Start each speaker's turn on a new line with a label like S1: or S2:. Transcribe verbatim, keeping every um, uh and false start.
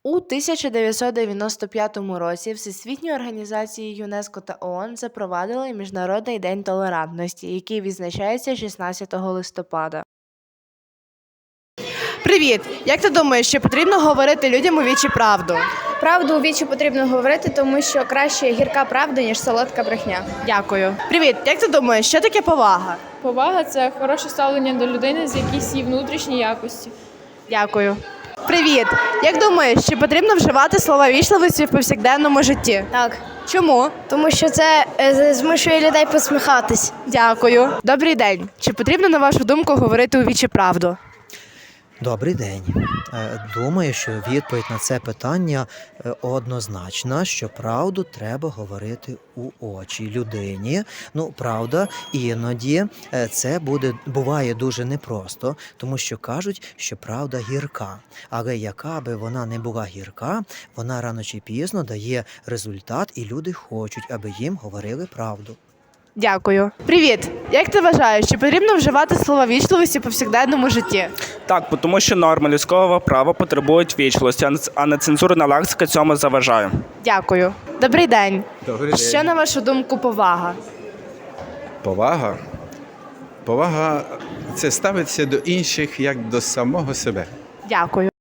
S1: У тисяча дев'ятсот дев'яносто п'ятому році Всесвітньою організацією ЮНЕСКО та ООН запровадили Міжнародний день толерантності, який відзначається шістнадцятого листопада. Привіт! Як ти думаєш, чи потрібно говорити людям у вічі правду?
S2: Правду у вічі потрібно говорити, тому що краще гірка правда, ніж солодка брехня.
S1: Дякую. Привіт! Як ти думаєш, що таке повага?
S3: Повага – це хороше ставлення до людини з якісь її внутрішні якості.
S1: Дякую. Привіт! Як думаєш, чи потрібно вживати слова вічливості в повсякденному житті?
S2: Так,
S1: Чому?
S2: тому що це е, змушує людей посміхатись.
S1: Дякую. Добрий день. Чи потрібно, на вашу думку, говорити у вічі правду?
S4: Добрий день. Е, Думаю, що відповідь на це питання е, однозначна, що правду треба говорити у очі людині. Ну, правда, іноді е, це буде, буває дуже непросто, тому що кажуть, що правда гірка. Але яка би вона не була гірка, вона рано чи пізно дає результат, і люди хочуть, аби їм говорили правду.
S1: Дякую. Привіт! Як ти вважаєш, чи потрібно вживати слова вічливості в повсякденному житті?
S5: Так, бо тому що норми людського права потребують вічливості, а не- а не цензурна лексика цьому заважає.
S1: Дякую. Добрий день.
S6: Добрий день.
S1: Що, на вашу думку, повага?
S6: Повага. Повага – це ставитися до інших як до самого себе.
S1: Дякую.